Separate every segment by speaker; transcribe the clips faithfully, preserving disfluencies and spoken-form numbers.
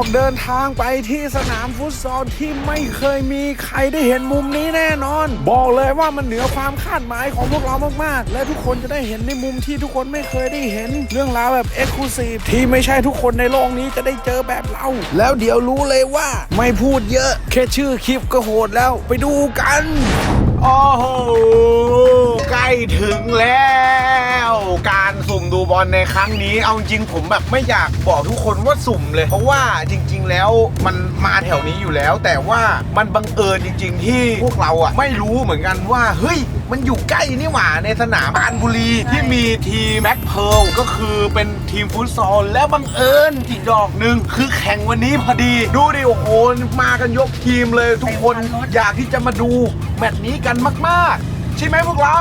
Speaker 1: อกเดินทางไปที่สนามฟุตซอลที่ไม่เคยมีใครได้เห็นมุมนี้แน่นอนบอกเลยว่ามันเหนือความคาดหมายของพวกเรามากๆและทุกคนจะได้เห็นในมุมที่ทุกคนไม่เคยได้เห็นเรื่องราวแบบเอ็กซ์คลูซีฟที่ไม่ใช่ทุกคนในโลกนี้จะได้เจอแบบเราแล้วเดี๋ยวรู้เลยว่าไม่พูดเยอะแค่ชื่อคลิปก็โหดแล้วไปดูกันโอ้โหใกล้ถึงแล้วการสุ่มดูบอลในครั้งนี้เอาจริงผมแบบไม่อยากบอกทุกคนว่าสุ่มเลยเพราะว่าจริงๆแล้วมันมาแถวนี้อยู่แล้วแต่ว่ามันบังเอิญจริงๆที่พวกเราอ่ะไม่รู้เหมือนกันว่าเฮ้ยมันอยู่ใกล้นี่หว่าในสนามปรานบุรีที่มีทีมแบ็คเพิร์ลก็คือเป็นทีมฟุตซอลแล้วบังเอิญอีกดอกหนึ่งคือแข่งวันนี้พอดีดูดิโอ้โหมากันยกทีมเลยทุกคนอยากที่จะมาดูแมตช์นี้กันมากๆใช่ไหมพวกเรา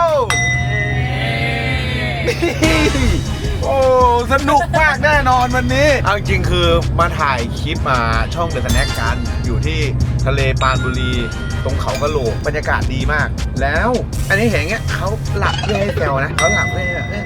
Speaker 1: โอ้สนุกมากแน่นอนวันนี้เอาจริงคือมาถ่ายคลิปมาช่องเดอะสแน็คกันอยู่ที่ทะเลปรานบุรีตรงเขากะโหลกบรรยากาศดีมากแล้วอันนี้เห็นเงี้ยเขาหลับเพื่อให้แซวนะเขาหลับเพื่อ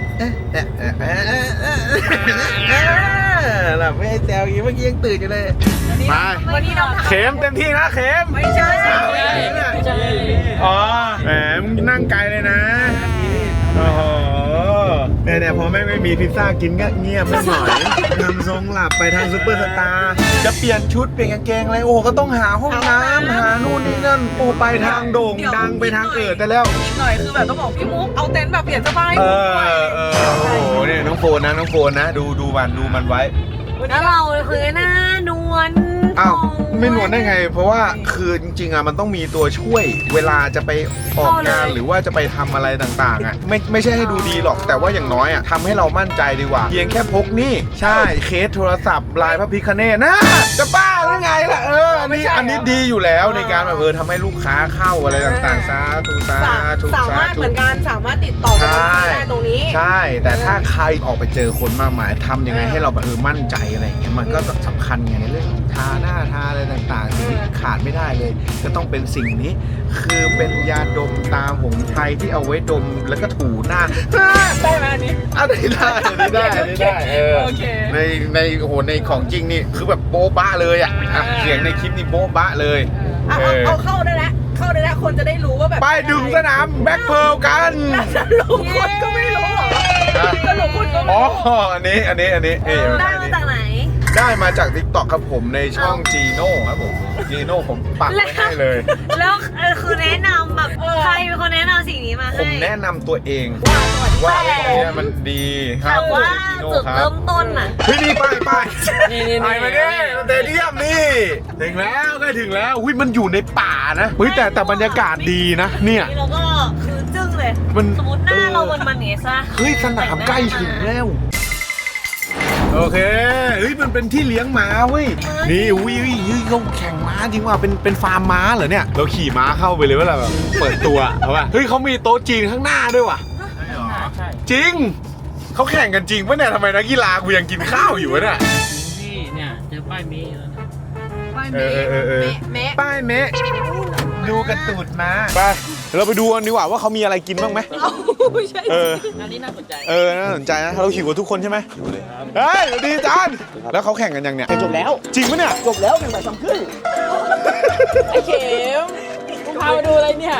Speaker 1: หลับเพื่อให้แซวอย่างเมื่อกี้ยังตื่นอยู่เลยมาวันนี้น้องเข็มเต็มที่นะเข็มไม่ใช่อ๋อแหมมึงนั่งไกลเลยนะโอ้โหเนี่ยเนี่ยพอแม่งไม่มีพิซซ่ากินก็เงียบไม่หน่อยทำทรงหลับไปทางซุปเปอร์สตาร์จะเปลี่ยนชุดเปลี่ยนกางเกงอะไรโอ้ก็ต้องหาห้องน้ำหานู่นนี่นั่นโอ้ไปทางโด่งดังไปทางเอิดแต่แล้ว
Speaker 2: อีกหน่อยคือแบบต้องบอกพี่มุกเอาเต็นท์แบบเปลี่ยนเสื้อผ้าให้
Speaker 1: เอ
Speaker 2: ผมด้วย
Speaker 1: อเออโอ้โหเนี่ยน้องโฟนนะน้องโฟนนะดูดูมันดูมันไว้
Speaker 3: แล้วเราคือหน้านวล
Speaker 1: อ้าวไม่นวลได้ไงเพราะว่าคือจริงๆอ่ะมันต้องมีตัวช่วยเวลาจะไปออกงานหรือว่าจะไปทำอะไรต่างๆอ่ะไม่ไม่ใช่ให้ดูดีหรอกแต่ว่าอย่างน้อยอ่ะทำให้เรามั่นใจดีกว่าเพียงแค่พกนี่ใช่เคสโทรศัพท์ลายพระพิฆเนศนะจะบ้าหรือไงล่ะเอออันนี้อันนี้ดีอยู่แล้วในการแบบเออทำให้ลูกค้าเข้าอะไรต่างๆซาทุซาทุ
Speaker 2: สามารถเหมือนกันสามารถติดต่อกันได้ตรงนี้
Speaker 1: ใช่แต่ถ้าใครออกไปเจอคนมากมายทำยังไงให้เราแบบเออมั่นใจอะไรอย่างเงี้ยมันก็สำคัญไงในเรื่องทาหน้าทาอะไรต่างๆสิ่งที่ขาดไม่ได้เลยก็ต้องเป็นสิ่งนี้คือเป็นยาดมตาหงส์ไทยที่เอาไว้ดมแล้วก็ถูหน้า
Speaker 2: ได้ไหมอันนี้
Speaker 1: อันนี้ได้อันนี้ได้อันนี้ได้เออในในโอ้โหในของจริงนี่คือแบบโบ๊ะบ้าเลยอ่ะเสียงในคลิปนี่โบ๊ะบ้าเลย
Speaker 2: เอาเอาเข้าได้แล้วเข้าได้แล้วคนจะได้รู้ว่าแบบ
Speaker 1: ไปดึงสนามแบ็คเพิร์ลกัน
Speaker 2: สรุปคนก็ไม่รู้หรอสรุปคนก็ไม่รู้
Speaker 1: อ๋ออันนี้อันนี้อันนี้
Speaker 3: ได้มาจากไหน
Speaker 1: ได้มาจาก ติ๊กต็อก ครับผมในช่องจีโน่ครับผมจีโน่ผมปักไว้ให้เลย
Speaker 3: แล้วคือแนะนำแบบใครเป็นคนแนะนำสิ่งนี้มาให้
Speaker 1: ผมแนะนำตัวเองว่าไอ้ตัวนี้มันดี
Speaker 3: แต่ว่าจุดเริ่มต้นน่ะ
Speaker 1: เฮ้ยนี่ไปไปไปมาดิสเตเดียมนี่ถึงแล้วใกล้ถึงแล้วอุ้ยมันอยู่ในป่านะเฮ้ยแต่แต่บรรยากาศดีนะเนี่ย
Speaker 3: แล้วก็คือจึ้งเลยสมมติหน้าเรามันมันเนซ่า
Speaker 1: เฮ้ยสนามใกล้ถึงแล้วโอเคเฮ้ยมันเป็นที่เลี้ยงม้าเว้ยนี่อุ้ยอุ้ยเขาแข่งม้าจริงว่าเป็นเป็นฟาร์มม้าเหรอเนี่ยเราขี่ม้าเข้าไปเลยว่าแบบเปิดตัวเพราะว่าเฮ้ยเขามีโต๊ะจีนข้างหน้าด้วยว่ะจริงเขาแข่งกันจริงปะเนี่ยทำไมนักกีฬากูยังกินข้าวอยู่วะเนี่ย
Speaker 4: นี่เนี่ยเจอป้ายเมย์แล้วนะ
Speaker 2: ป้ายเมย์เมย์
Speaker 1: ป้ายเมย์ดูกระตูดม้าไปเราไปดูกันดีกว่าว่าเขามีอะไรกินบ้างไหม
Speaker 2: ไม่ใช่
Speaker 1: เออ
Speaker 4: อันนี้น่าสนใจ
Speaker 1: เออน่าสนใจนะเราหิวกันทุกคนใช่ไหมเฮ้ยดีจานแล้วเขาแข่งกันยังเนี่ย
Speaker 4: จบแล้ว
Speaker 1: จริงปะเนี่ย
Speaker 4: จบแล้วเป็นบ่ายสามครึ่งไอ้เข็มมึงพามาดูอะไรเนี่ย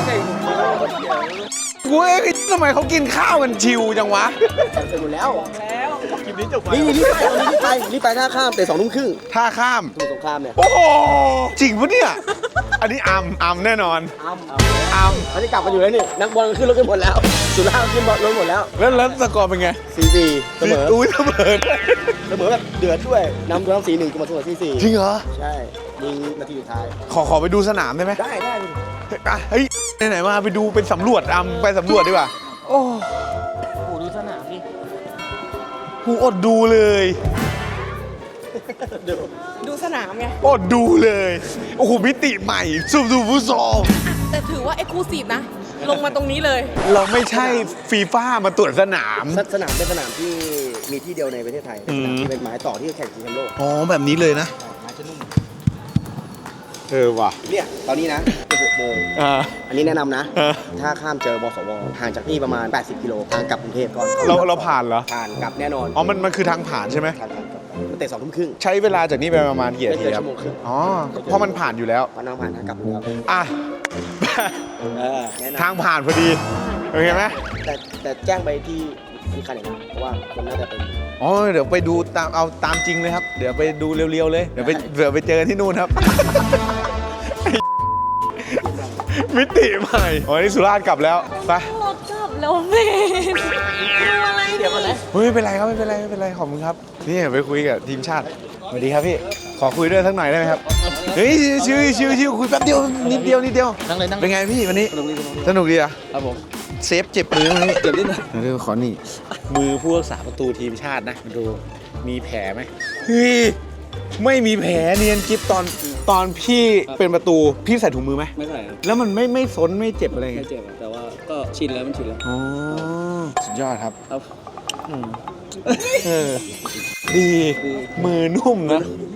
Speaker 1: กูเอ๊ะทำไมเขากินข้าวกันชิวจังวะ
Speaker 4: เสร็จหมดแล้ว
Speaker 2: แล้ว
Speaker 1: คลิปนี้จบ
Speaker 4: นี่นี่ไปนี่ไปนี่ไปท่าข้ามแต่สองทุ่มครึ่ง
Speaker 1: ท่าข้าม
Speaker 4: สงครามเนี่ย
Speaker 1: โอ้โหจริงปะเนี่ยอันนี้อัมอัมแน่นอน
Speaker 4: อัม
Speaker 1: อัม
Speaker 4: เขาจะกลับมาอยู่แล้วนี่นักบอลขึ้นรถกันหมดแล้วสุราขึ้นรถหมดแล้ว
Speaker 1: แล้วแล้วสกอร์เป็นไง
Speaker 4: สี่สี่เสมอ
Speaker 1: อุ้ยเสมอ
Speaker 4: เสมอแบบเดือดด้วยนำตัวน้ำสี่หนึ่งก็มาตัวสี่สี่
Speaker 1: จริงเหรอ
Speaker 4: ใช่ยิงนาทีสุดท้าย
Speaker 1: ขอขอไปดูสนามได้ไหม
Speaker 4: ได้ได้
Speaker 1: เฮ้ยไหนๆมาไปดูเป็นสำรวจอัมไปสำรวจดีกว่าโอ้
Speaker 4: โหดูสนามดิ
Speaker 1: กูอดดูเลย
Speaker 2: ดูสนามไง
Speaker 1: อดดูเลยโอ้โหมิติใหม่สูบดูฟุตซอล
Speaker 2: แต่ถือว่าเอ็กซ์คลูซีฟนะลงมาตรงนี้เลย
Speaker 1: เราไม่ใช่ฟีฟ่ามาตรวจสนาม
Speaker 4: สนามเป็นสนามที่มีที่เดียวในประเทศไทยเป็นสนามที่เป็นหมายต่อที่แข่งชิงแชมป์โลก
Speaker 1: อ๋อแบบนี้เลยนะ
Speaker 4: ไม้จะนุ่ม
Speaker 1: เออว่ะ
Speaker 4: เนี่ยตอนนี้นะหกโมง
Speaker 1: อ่า
Speaker 4: อันนี้แนะนำนะถ้าข้ามเจอบสวห่างจากนี่ประมาณแปดสิบกิโลทางกลับกรุงเทพก่อน
Speaker 1: เราเราผ่านเหรอ
Speaker 4: ผ่านกลับแน่นอน
Speaker 1: อ๋อมันมันคือทางผ่านใช่ไหม
Speaker 4: ผ่านผ่าน
Speaker 5: มันเตะสองทุ่มครึ่ง
Speaker 1: ใช้เวลาจากนี้ไปประมาณกี่นาทีครับ
Speaker 5: ชั่วโมงครึ่ง
Speaker 1: อ๋อเพราะมันผ่านอยู่แล้ว
Speaker 5: วันน้ำผ่านทางกลับแล้ว
Speaker 1: อ่ะ
Speaker 5: เออแนะน
Speaker 1: ทางผ่านพอดีโอเคไหม
Speaker 5: ำแต่แต่แจ้งไปที่มีคันอย่างนั้นเพราะว่าคนน่าจะเป็น
Speaker 1: อ๋อเดี๋ยวไปดูตามเอาตามจริงเลยครับเดี๋ยวไปดูเร็วๆเลยเดี๋ยวไปเดี๋ยวไปเจอที่นู่นครับ มิติใหม่อ๋อนี่สุราษฎร์กลับแล้วไป
Speaker 3: รถกลับแล้วเมนดูอะไรเดี๋ยวก่อนนะ
Speaker 1: เฮ้ยไม่เป็นไรครับไม่เป็นไรไม่เป็นไรขอบคุณครับนี่ไปคุยกับทีมชาติสวัสดีครับพี่ขอคุยด้วยสักหน่อยได้ไหมครับเฮ้ยชิวชิวชิวคุยแป๊บเดียวนิดเดียวนิดเดียว
Speaker 5: นั่งเลยนั่ง
Speaker 1: เป็นไงพี่วันนี้สนุกดีอ่ะ
Speaker 5: ครับผม
Speaker 1: เซฟเจ็บมือไหม
Speaker 5: เจ็บนิดหน่อย
Speaker 1: เดี๋ยวขอนี่มือผู้รักษาประตูทีมชาตินะดูมีแผลไหมเฮ้ยไม่มีแผลเนียนกิ๊บตอนตอนพี่เป็นประตูพี่ใส่ถุงมือไหม
Speaker 5: ไม่ใส่ครับ
Speaker 1: แล้วมันไม่ไม่ซนไม่เจ็บอะไร
Speaker 5: ไม่
Speaker 1: เงี้ย
Speaker 5: เจ็บอะแต่ว่าก็ชินแล้วมันชินแล้ว
Speaker 1: อ๋อสุดยอดครับ
Speaker 5: ครับ
Speaker 1: เออดีมือนุ่มนะ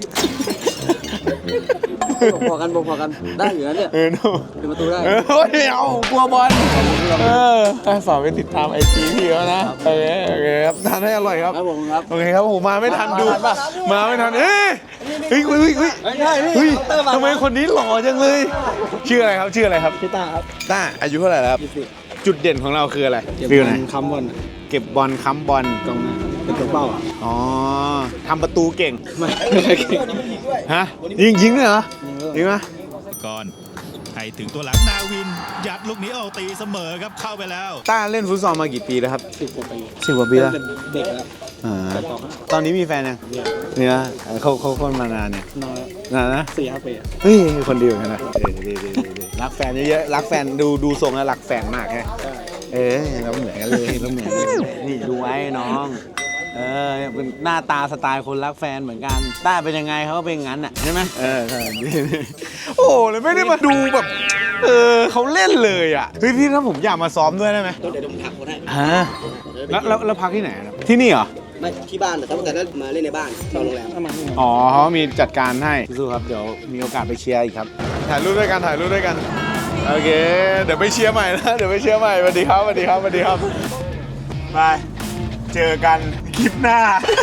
Speaker 5: พอกันพอกันได้อยู่นะเนี่ย
Speaker 1: เออนุ่ม
Speaker 5: เป็นประตูได้
Speaker 1: เออโอ้ยเอากลัวบอลเออให้ฝากไปติดตามไอจีพี่เขานะโอเคโอเคครับทานให้อร่อยครับ
Speaker 5: ครับผมครับ
Speaker 1: โอเคครับผมมาไม่ทันดูมาไม่ทันเอ้ยเฮ้ยเฮ้ยเฮ้ย
Speaker 5: ไม่ใช่พี่
Speaker 1: เฮ้ย
Speaker 5: เคาน์เตอร์มา
Speaker 1: ทำไมคนนี้หล่อจังเลย ชื่ออะไรครับชื่ออะไรครับ
Speaker 5: พี่ตาครับ
Speaker 1: ต้าอายุเท่าไหร่แล้วครับ
Speaker 5: ยี่สิบ
Speaker 1: จุดเด่นของเราคืออะไร
Speaker 5: เก็บ
Speaker 1: ฟิล
Speaker 5: บ
Speaker 1: ไหน
Speaker 5: อลค้ำบอล
Speaker 1: เก็บบอลค้ำบอล
Speaker 5: กองหน้าเป็นตัวเป้าอ่ะ
Speaker 1: อ๋อทำประตูเก่ง
Speaker 5: ไม่ไม่เคยเก่ง
Speaker 1: ฮะยิงยิงเลยเหรอยิงไหม
Speaker 6: ก่อนให้ถึงตัวหลังนาวิน ยัดลูกนี้ออกตีเสมอครับเข้าไปแล้ว
Speaker 1: ต้าเล่นฟุตซอลมากี่ปีแล้วครับ
Speaker 5: สิบกว่าปี
Speaker 1: สิบกว่าปีแล้ว
Speaker 5: เป็นเด็กแล้ว
Speaker 1: อ่าตอนนี้มีแฟนยังเนี่ยเขาเขาคนมานานเนี่ย
Speaker 5: น้อย
Speaker 1: นานนะ
Speaker 5: สี่ห้าปีอะ
Speaker 1: เฮ้ยคนเดียวกันนะเออดีดีดีดีรักแฟนเยอะๆรักแฟนดูดูทรงแล้วรักแฟนมากแฮะเออเราเหมือนกันเลยเราเหมือนกันนี่ดูไว้น้องเออเป็นหน้าตาสไตล์คนรักแฟนเหมือนกันต้าเป็นยังไงเขาก็เป็นงั้นอ่ะใช่ไหมเออใช่ดีดีโอ้เลยไม่ได้มาดูแบบเออเขาเล่นเลยอ่ะเฮ้ยพี่ถ้าผมอยากมาซ้อมด้วยได้ไหม
Speaker 5: ต้องเดี๋ยวผมถามคนให้
Speaker 1: ฮะแล้วแล้วแล้วพักที่ไหนครับที่นี่เหรอ
Speaker 5: ไม่ที่บ้านแต่ถ้าแต่ถ้ามาเล่นในบ้านนอนโรงแรม
Speaker 1: อ๋อเขามีจัดการให้สู้ๆครับ เดี๋ยวมีโอกาสไปเชียร์อีกครับ ถ่ายรูปด้วยกัน ถ่ายรูปด้วยกัน โอเค เดี๋ยวไปเชียร์ใหม่นะ เดี๋ยวไปเชียร์ใหม่สวัสดีครับสวัสดีครับสวัสดีครับ ไป เจอกันคลิปหน้า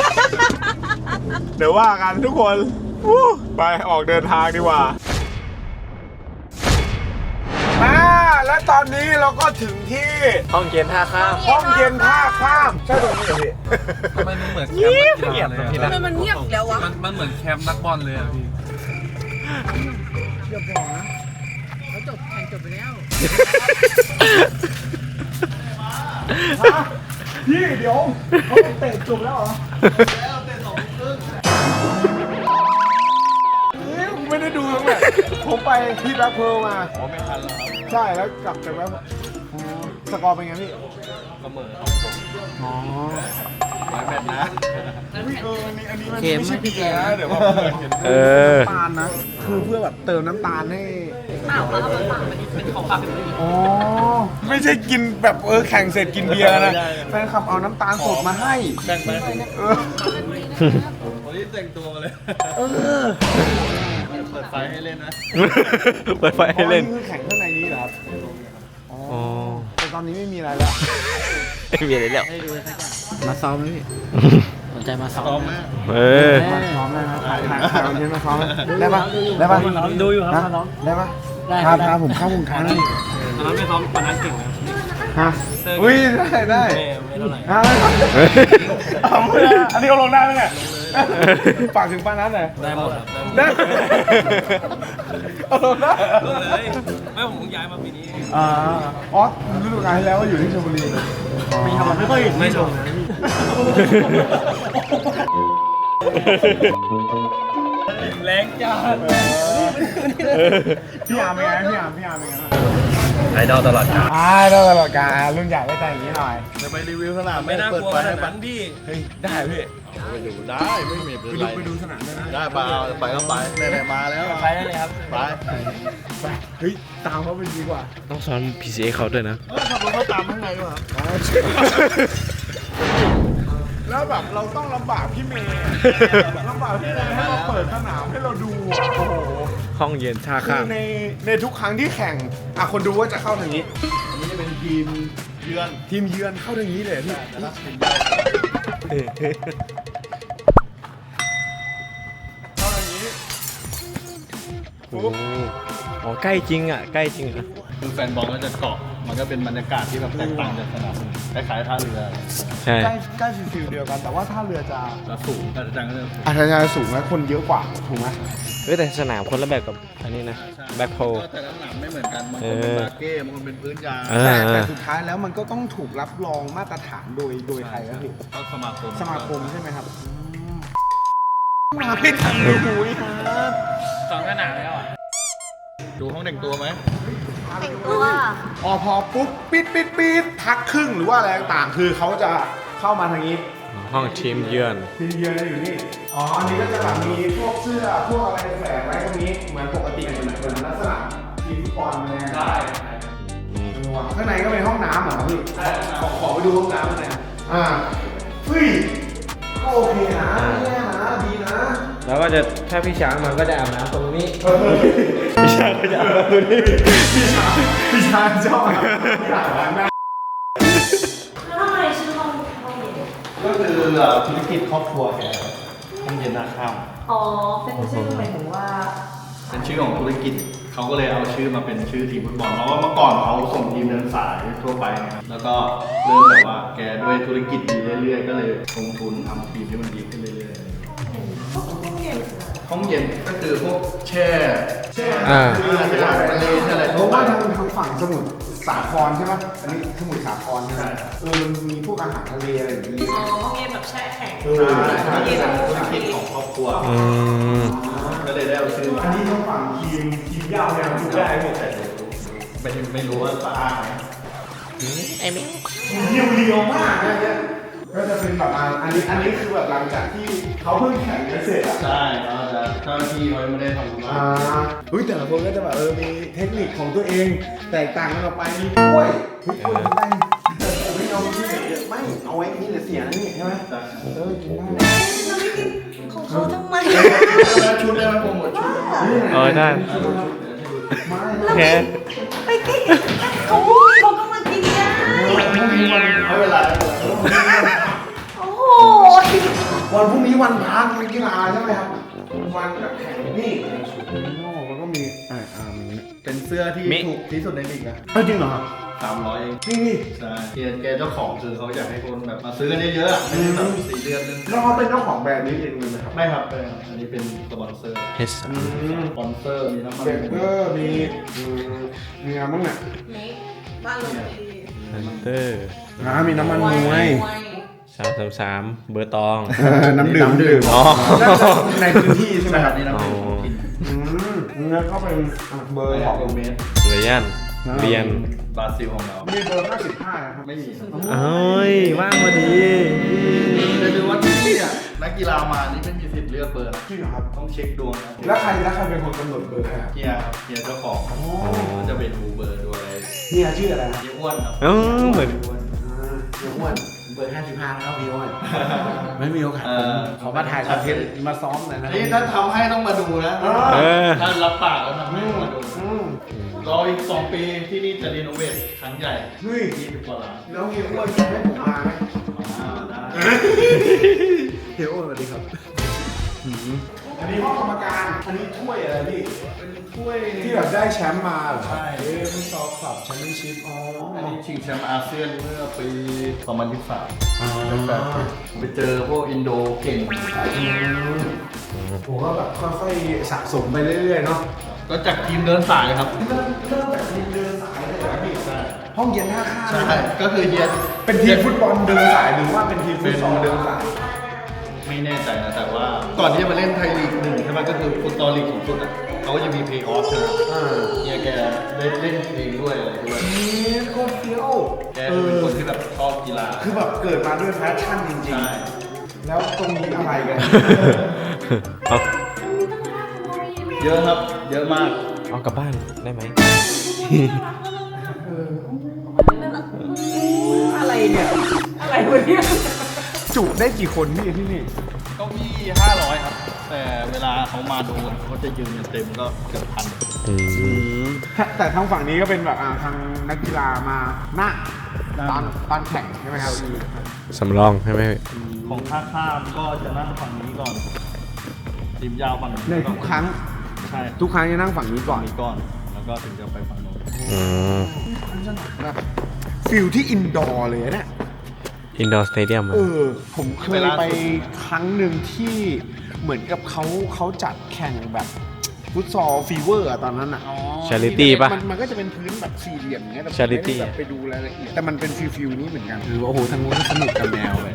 Speaker 1: เดี๋ยวว่ากันทุกคนวู้ไปออกเดินทางดีกว่าอ่าและตอนนี้เราก็ถึงที่
Speaker 2: ห้องเย็นท่าข้าม
Speaker 1: ห้องเย็นท่าข้าม ใช่ตรงนี้เหรอพี่
Speaker 7: ทำไมมันเหมือนแคมป์นักกีฬาเลย
Speaker 2: ทำ
Speaker 7: อะ
Speaker 2: ไมมันเงียบอีกแล้ววะ
Speaker 7: มันมันเหมือนแคมป์นักบอลเลยอะพี่
Speaker 2: เขาจบแข่งจบไปแล้ว
Speaker 1: พี่เดี๋ยวเขาเตะจบแล้วเหรอเฮ้ยผมไม่ได้ดูทั้งแบบผมไปที่แบ็คเพิร์ลมาอ๋อไม่ทันแล้วครับใช่แล้วกลับจากแบ็คอ๋อสกอร์เป็นไงพี่เสมออ๋อหลายแมตช์นะเอออันนี้อันนี้มันไม่ใช่เบียร์นะเดี๋ยวว่าเห็นเออน้ำตาลนะ คือเพื่อแบบเติมน้ำตาลให้
Speaker 2: เปล่าเขาเอามาฝากมันเป็นของฝากเป็นผู้หญิง
Speaker 1: อ๋อไม่ใช่กินแบบเออแข่งเสร็จกินเบียร์นะแฟนคลับเอาน้ำตาลสดมาให้
Speaker 7: แบ่งไป
Speaker 1: เออ
Speaker 7: วันนี้แต่งตัวมาเลย
Speaker 1: เออ
Speaker 7: เปิดไฟให้เล่นนะ
Speaker 1: เปิดไฟให้เล่นคือแข่งข้างในนี้เหรอครับอ๋อแต่ตอนนี้ไม่มีอะไรแล้วไม่มีอะไรแล้ว
Speaker 5: มาซ้อมไหมพี่สนใจมาซ้อม
Speaker 1: เออมาซ้อมได้ไหมถ่ายถ่ายถ่ายคอนเทนต์มาซ้อมได้ปะได้ปะดูอยู่ครับมาซ้อมได้ปะพาพาผมเข้าวงการนี่
Speaker 7: ตอนนั้นไม่ซ้อมตอนนั้นเก่งนะ
Speaker 1: ฮะอุ้ยได้ได้
Speaker 7: ไม่เท่าไหร่
Speaker 1: ฮะเอาไม่ได้อันนี้เอาลงได้ไหมเนี่ยฝากถึงป้านัทหน่อย
Speaker 7: ได้หมดครับ
Speaker 1: ได้เอาลงได้
Speaker 7: เลยไม่ผมเพิ่งย้ายมาปีนี้
Speaker 1: อ่าอ๋อฤดูกาลที่แล้วก็อยู่ที่ชลบุรีมีทำไม่ค่อย
Speaker 7: ไม่ชม แรงจัด
Speaker 1: พี่อาร์มเป็นไงพี่อาร์มพี่อาร์มเป็นไง
Speaker 7: ไอดอลตลอดกาล
Speaker 1: อ่าได้ตลอดกาลรุ่นใหญ่ได้ใจอย่างนี้หน่อย
Speaker 7: จะไปรีวิวสนามไม่น่ากลัวขนาดนั้นดิ
Speaker 1: เฮ้ยได้พี่
Speaker 7: ไปดูได้ไม่มีเป็นไร
Speaker 1: ไปดูสนามได้ไหม
Speaker 7: ได้ไปไปก็ไปไหนๆมาแล้ว
Speaker 2: ไปได้เลยครับ
Speaker 7: ไป
Speaker 1: ไปเฮ้ยตามเขาไปดีกว่า
Speaker 6: ต้องซ้อน พี ซี เอ เขาด้วยนะ
Speaker 7: ขับรถเขาตามข้างในด้วยครับ
Speaker 1: แล้วแบบเราต้องลำบากพี่เมย์ลำบากพี่เมย์ให้เราเปิดสนามให้เราดูอ่ะโอ้โห
Speaker 6: ห้องเย็นท่า
Speaker 1: คื
Speaker 6: ข้า
Speaker 1: อ
Speaker 6: ม
Speaker 1: ในในทุกครั้งที่แข่งอ่ะคนดูว่าจะเข้าทางนี้
Speaker 7: อันนี้จะเป็นทีมเยือน
Speaker 1: ทีมเยือนเข้าทางนี้เลยพี่
Speaker 7: แต่ถ้าเป็น
Speaker 8: โอ้โหใกล้จริงอ่ะใกล้จริงอ่ะ
Speaker 7: คือแฟนบอลก็จะเกาะมันก็เป็นบรรยากาศที่แบบแตกต่างจากสนามคล้ายๆท่าเรือ
Speaker 8: ใช่
Speaker 1: ใกล้ใกล้ฟิลเดียวกัน แต่ว่าถ้าเรือจะ
Speaker 7: จะสูงแต่จังก็จะสูง
Speaker 1: อาจจะสูงและคนเยอะกว่าถูกไหม
Speaker 8: เฮ้ยแต่สนามคนละแบบกับอันนี้นะแบ็คโฮ
Speaker 7: ก็แต่ละสนามไม่เหมือนกันบางคนเป็นบาเก้บางคนเป็นพื้นยาง
Speaker 8: เออ
Speaker 1: แต่แต่สุดท้ายแล้วมันก็ต้องถูกรับรองมาตรฐานโดยโดยใครครับพี่
Speaker 7: ก็สมาคม
Speaker 1: สมาคมใช่ไหมครับมาไม่ทันดูนี่ครับ
Speaker 2: สองสนามแล้วอ่ะ
Speaker 7: ดูห้องแต่งตัวไหม
Speaker 3: แต่งตัว
Speaker 1: อ๋อพอปุ๊บปิดปิดปิดพักครึ่งหรือว่าอะไรต่างๆคือเขาจะเข้ามาทางนี้
Speaker 8: ห้องทีมเยือน
Speaker 1: ทีมเยือนอยู่นี่อ๋ออันนี้ก็จะแบบมีพวกเสื้อพวกอะไรแฝงไว้ตรงนี้เหมือนปกติเหมือนเหมือนลักษณะทีมฟุตบอลเลยได้ ข้างในก็เป็นห้องน้ำเหรอพี่ขอขอไปดูห้องน้ำหน่อยอ่าเฮ้ยก็โอเคนะไม่แย่นะดีนะ
Speaker 8: แล้วก็จะถ้าพี่ช้างมันก็จะอาบน้ำตรงนี้
Speaker 1: พี่ชายก็จะอาบน้ำตัวนี้พี่ชายพี่ชายชอบอาบน้ำ
Speaker 3: แล้วทำไมชื่อห้องห้องเย็น
Speaker 7: ก็คือธุรกิจครอบครัวแกห้องเย็นนาข้าม
Speaker 3: อ๋อ เป็นชื่อหมายถึงว่า
Speaker 7: เป็นชื่อของธุรกิจเขาก็เลยเอาชื่อมาเป็นชื่อทีมฟุตบอลเพราะว่าเมื่อก่อนเขาส่งทีมเดินสายทั่วไปนะครับแล้วก็เริ่มแบบว่าแกด้วยธุรกิจดีเรื่อยๆก็เลยลงทุนทำทีมที่มันดีขึ้นเรื่อยๆห้องเย็นก็คือพวกแช่แช่
Speaker 8: อ่า
Speaker 7: เรือแช่อาหารทะเลแช่อะไร
Speaker 1: เพ
Speaker 7: ทั่ว
Speaker 1: ราะ
Speaker 7: ไป
Speaker 1: ว่าทางทางฝั่งสมุทรสาครใช่ไหมอันนี้สมุทรสาครใช่ไหม
Speaker 7: ใช่
Speaker 1: เออมันมีพวกอาหารทะเลอะไรอย่างนี้
Speaker 2: อ๋อห้องเย็นแบบแช่แข็ง
Speaker 1: เออ
Speaker 7: ใช่เป็นธุรกิจของครอบครัว
Speaker 8: อืม
Speaker 7: ก็เลยได้เอาชื่อ
Speaker 1: อันนี้ทางฝั่งทีมทีมยาวเนี่ยดูได้หมด
Speaker 7: ไม่ไม่รู้ว่าสะอาดไหม
Speaker 8: ไอ้เมฆ
Speaker 1: เรียวเรียวๆมากนะเนี่ยก็จะเป็นแบบอ่าอันนี้อันนี้คือแบบหลังจากที่เขาเพิ่งแข่งกันเสร็จอ่ะ
Speaker 7: ใช่เขาจะเจ้าหน้าที่เขายังไม่ได้ทำงา
Speaker 1: อ่าน เฮ้ยแต่ละคนก็จะแบบเออมีเทคนิคของตัวเองแตกต่างกันออกไปมีกล้วยเฮ้ยกล้วยกินได้ไม่เอาที่ไหนเยอะไม่เอาไว้นี่เดี๋ยวเสียนะนี่ใช่ไหมเออกินได้
Speaker 3: เราไม่กินของเขาทำไม
Speaker 7: แล้วชุดได้ไหมโปรโมทชุด
Speaker 8: เออได้
Speaker 1: ไม่
Speaker 8: โอเค
Speaker 3: ไปกินเขาเขาก็มากินได้
Speaker 7: ไม่เป็นไร
Speaker 3: โอ้โห
Speaker 1: วันพรุ่งนี้วันพักวันกีฬาใช่ไหมครับวันแบบแข่งนี่โอ้แล้วก็มีอ่าอ่ามี
Speaker 7: เป็นเสื้อที่ถูกที่สุดในลีกนะ
Speaker 1: เอ้ยจริงเหรอครับ
Speaker 7: สามร้อยเอง
Speaker 1: จริงดิ
Speaker 7: ใช่เกียร์แกเจ้าของคือเขาอยากให้คนแบบมาซื้อกันเยอะๆอะไม่ใช่แบบสี่เดือนนึง
Speaker 1: แล้วเขาเป็นเจ้าของแบรนด์นี้เองเลยไหมครับ
Speaker 7: ไม่ครับไม่ครับอันนี้เป็นสปอนเซอร์
Speaker 8: เฮส
Speaker 1: อืม
Speaker 7: สปอนเซอร์มีน้ำมัน
Speaker 1: เบเกอร์มีอืมมีอะไรบ้างเนี่ย
Speaker 2: บ้านเราดี
Speaker 8: ฮันเตอร์
Speaker 1: อ่ามีน้ำมันมวย
Speaker 8: สามสามสามเบอร์ตอง
Speaker 1: น้ำดื่มน้ำดื่ม
Speaker 8: อ๋อ
Speaker 1: ในพื้นที่ใช่ไหม
Speaker 7: ใช่ค
Speaker 1: ค
Speaker 7: รั
Speaker 1: รั
Speaker 7: บบ นี่น้ำดื่มของกิน
Speaker 1: อืมแล้วก็เป็นอ่ะเบอร์
Speaker 7: ไม่
Speaker 1: ข
Speaker 7: อ
Speaker 1: อ
Speaker 7: อง กโรเมส
Speaker 8: เรยันเรียน
Speaker 7: บราซิลของเรา
Speaker 1: มีเบอร์ห้าสิบห้านะครับ
Speaker 7: ไม่มี
Speaker 8: เอ้ย ว่างพอดี
Speaker 7: จะดูว่าที่นี่อ่ะนักกีฬามานี่ไม่มีสิทธิ์เลือกเบอร์นะ
Speaker 1: จริงเหรอครับ
Speaker 7: ต้องเช็คดวงนะ
Speaker 1: แล้วใครแล้วใครเป็นคนกำหนดเบอร์ให้ครับ
Speaker 7: เฮียครับเฮียเจ้าของเขาจะไปดูเบอร์ดูอะไร
Speaker 1: เฮียชื่ออะไรนะ
Speaker 7: เฮียอ้วนครับ
Speaker 8: เออเหมือน
Speaker 7: อ้วน
Speaker 1: อ่าเฮียอ้วนเบอร์ห้าสิบห้านะครับพี่อ้วนไม่มีโอกาส
Speaker 7: เอ
Speaker 1: ผม
Speaker 7: อ
Speaker 1: ขอมาถ่ายคอนเทนต์มาซ้อมหน่อยนะ
Speaker 7: นี่ถ้าทำให้ต้องมาดูนะ
Speaker 8: เออ
Speaker 7: ถ้ารับปากแล้วทำให้ต้องมาดู
Speaker 1: อืม
Speaker 7: รออีกสองปีที่นี่จะรีโนเวทครั้งใหญ่
Speaker 1: เฮ้ย
Speaker 7: ยี่สิบกว่าล้าน
Speaker 1: แล้วเฮียอ้วนจะให้ผมมาไหม
Speaker 7: อ่าได้
Speaker 1: เฮียอ้วนสวัสดีครับอันนี้ห้องกรรมการอันนี้ถ้วยอะไรพี่
Speaker 7: เป็นถ้วย
Speaker 1: ที่แบบได้แชมป์มาเหรอ
Speaker 7: ใช่
Speaker 1: เอ้ยฟุตซอลคลับแชมเปี้ยนชิพอ๋อ
Speaker 7: อันนี้ชิงแชมป์อาเซียนเมื่อปีสองพันยี่สิบสาม
Speaker 1: อ๋อ
Speaker 7: แบบไปเจอพวกอินโดเก่ง
Speaker 1: ผมก็แบบค่อยๆสะสมไปเรื่อยๆเนาะ
Speaker 7: ก็จากทีมเดินสายครับ
Speaker 1: เริ่มเริ่มแบบทีมเดินสายเลยเหรอพี่
Speaker 7: ใช่
Speaker 1: ห้องเย็นท่าข้าม
Speaker 7: ใช่ก็คือเฮีย
Speaker 1: เป็นทีมฟุตบอลเดินสายหรือว่าเป็นทีมฟุตซอลเดินสาย
Speaker 7: ไม่แน่ใจนะแต่ว่าก่อนที่จะมาเล่นไทยลีกหนึ่งใช่ไหมก็คือฟุตซอลลีกสูงสุดอ่ะเขาก็จะมีเพย์ออฟใช่ไหม
Speaker 1: อ่า
Speaker 7: เฮียแกได้เล่นเองด้วยอะไรด้วย
Speaker 1: นี่โคตรเฟี้ยว
Speaker 7: แกเป็นคนที่แบบชอบกีฬา
Speaker 1: คือแบบเกิดมาด้วยแพชชั่นจริง
Speaker 7: ใช่
Speaker 1: ๆ แล้วตรงนี้อะไรกัน
Speaker 8: เอา
Speaker 7: เยอะครับ เยอะมาก
Speaker 8: เอากลับบ้านได้ไหม
Speaker 2: อะไรเนี่ย อะไรวะเนี่ย
Speaker 1: จุได้กี่คนพี่ที่นี่
Speaker 7: เก้าอี้ห้าร้อยครับ แต่เวลาเขามาดูเขาจะยืนกันเต็มก็เกือบพัน
Speaker 1: แต่ทางฝั่งนี้ก็เป็นแบบอ่าทางนักกีฬามาหน้าตอนตอนแข่งใช่ไหมครับ
Speaker 8: สำรองใช่ไหม
Speaker 7: ของท่าข้ามก็จะนั่งฝั่งนี้ก่อนทีมยาวฝั่งนี้
Speaker 1: ใน
Speaker 7: ก่อ
Speaker 1: ทุกครั้ง
Speaker 7: ใช่
Speaker 1: ทุกครั้งจะนั่งฝั่งนี้ก่อน
Speaker 7: มีก่อนแล้วก็ถึงจะไปฝั่งโน้น
Speaker 8: อืม
Speaker 1: แบบฟิลที่อินดอร์เลยนะเนี่ย
Speaker 8: อินดอร์สเตเดียม
Speaker 1: เออ ผมเคยไปครั้งหนึ่งที่เหมือนกับเขาเขาจัดแข่งแบบฟุตซอลฟีเวอร์อะตอนนั้นอะ
Speaker 8: ชาริตี้ป่ะ
Speaker 1: มันมันก็จะเป็นพื้นแบบสี่เหลี่ยมอย่างเงี้ยแต่ผม
Speaker 8: Charity
Speaker 1: ไม่ได้แบบไปดูรายละเอียดแต่มันเป็นฟิลฟิลนี้เหมือนกันคือว่าโอ้โหทางนู้นก็สนุกกับแนวเลย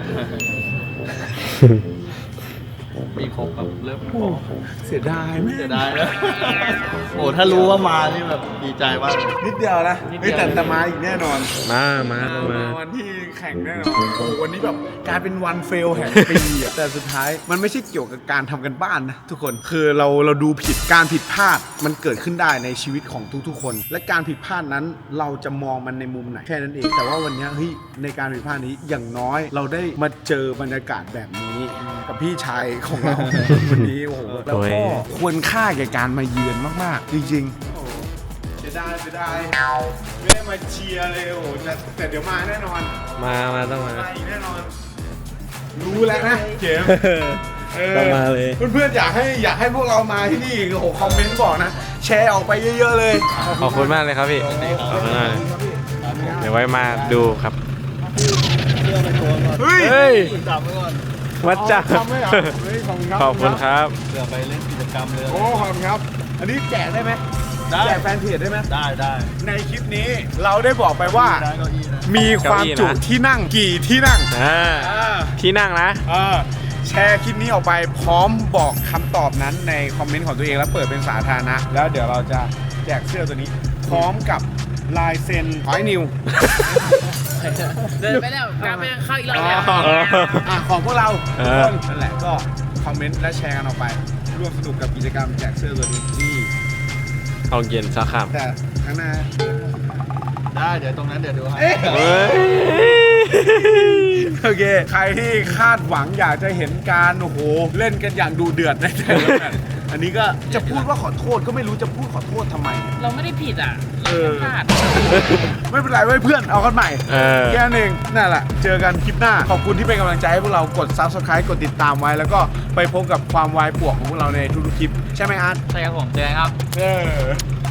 Speaker 7: มีครบครับเริ่มพอ
Speaker 1: เสียดายไหม
Speaker 7: จะได้แล้ว โอ้ถ้ารู้ว่ามานี่แบบดีใจมาก
Speaker 1: นิดเดียวนะ
Speaker 7: นิดเดี
Speaker 1: เฮ้ย
Speaker 7: ยว
Speaker 1: แต่แต่มาอีกแน่นอน
Speaker 8: มามาต้องมา
Speaker 1: วันที่แข่งแน่นอนโอ้โหวันนี้แบบกลายเป็นวันเฟลแห่งปีอะ แต่สุดท้ายมันไม่ใช่เกี่ยวกับการทำกันบ้านนะทุกคนคือเราเราดูผิดการผิดพลาดมันเกิดขึ้นได้ในชีวิตของทุกๆคน และการผิดพลาดนั้นเราจะมองมันในมุมไหนแค่นั้นเองแต่ว่าวันนี้เฮ้ยในการผิดพลาดนี้อย่างน้อยเราได้มาเจอบรรยากาศแบบนี้กับพี่ชายของเรา วันนี้โอ้โหแล้วก็ควรค่าแก่การมาเยือนมากๆจริงๆเสียดายเสียดายไม่ได้มาเชียร์เลยโอ้โหแต่แต่เดี๋ยวมาแน่นอน
Speaker 8: มามาต้องมา
Speaker 1: มาอีกแน่นอน รู้แล้วนะเกม
Speaker 8: ต้องมาเลย
Speaker 1: เพื่อนๆอยากให้อยากให้พวกเรามาที่นี่โอ้โหคอมเมนต์บอกนะ แชร์ออกไปเยอะๆเลย
Speaker 8: ขอบคุณมากเลยครับพี่ ขอบคุณมากเลยเดี๋ยวไว้มาดูครับ
Speaker 1: เฮ้ย
Speaker 8: เฮ้ย
Speaker 7: จับไว้ก่อน
Speaker 8: วัดจ้า
Speaker 1: ทำไหมเหรอเฮ้ยขอบคุณครับ
Speaker 8: ขอบคุณครับ
Speaker 7: เผื่อไปเล่นกิจกรรมเลย
Speaker 1: โอ้ขอบคุณครับ อันนี้แจกได้ไหม
Speaker 7: ได้
Speaker 1: แจกแฟนเพจได้ไหม
Speaker 7: ได้ได้
Speaker 1: ในคลิปนี้เราได้บอกไปว่า
Speaker 7: ได้เก้าอี้นะ
Speaker 1: มีความจุ
Speaker 8: เก้าอี้นะ
Speaker 1: ที่นั่งกี่ที่นั่ง
Speaker 8: อ่า
Speaker 1: อ่า
Speaker 8: ที่นั่งนะ
Speaker 1: เออแชร์คลิปนี้ออกไปพร้อมบอกคำตอบนั้นในคอมเมนต์ของตัวเองแล้วเปิดเป็นสาธารณะแล้วเดี๋ยวเราจะแจกเสื้อตัวนี้ พร้อมกับลายเซ็นหอยนิว
Speaker 4: เดินไปแล้วกลับไปเข้าอีกรอบแล้ว
Speaker 1: อ่ะของพวกเรา
Speaker 8: เอ
Speaker 1: ทุก
Speaker 8: อ
Speaker 1: คนนั่นแหละก็คอมเมนต์และแชร์กันออกไป ร่วมสนุกกับกิจกรรมแจกเสื้อตัวนี้ที่
Speaker 8: ห้องเย็นสาขา
Speaker 1: แต่ข้างหน้า
Speaker 7: ได้เดี๋ยวตรงนั้นเดี๋ยวดูให้
Speaker 1: เอ๊ะ
Speaker 8: เฮ้ย
Speaker 1: โอเค ใครที่คาดหวังอยากจะเห็นการโอ้โหเล่นกันอย่างดูเดือดในแต่ละแมตช์อันนี้ก็จะพูดว่าขอโทษก็ไม่รู้จะพูดขอโทษทำไม
Speaker 4: เราไม่ได้ผิดอ่ะ
Speaker 1: เออ
Speaker 4: พลาด
Speaker 1: ไม่เป็นไรไว้ยเพื่อนเอากันใหม่
Speaker 8: เออ
Speaker 1: แค่นั้นเองนั่นแหละ เจอกันคลิปหน้า ขอบคุณที่เป็นกำลังใจให้พวกเรากด ซับสไครบ์ กดติดตามไว้ แล้วก็ไปพบกับความวายป่วงของพวกเราในทุกๆคลิป ใช่ไหมอาร์ต
Speaker 4: ใช่ครับผมเจอกันครับ
Speaker 1: เออ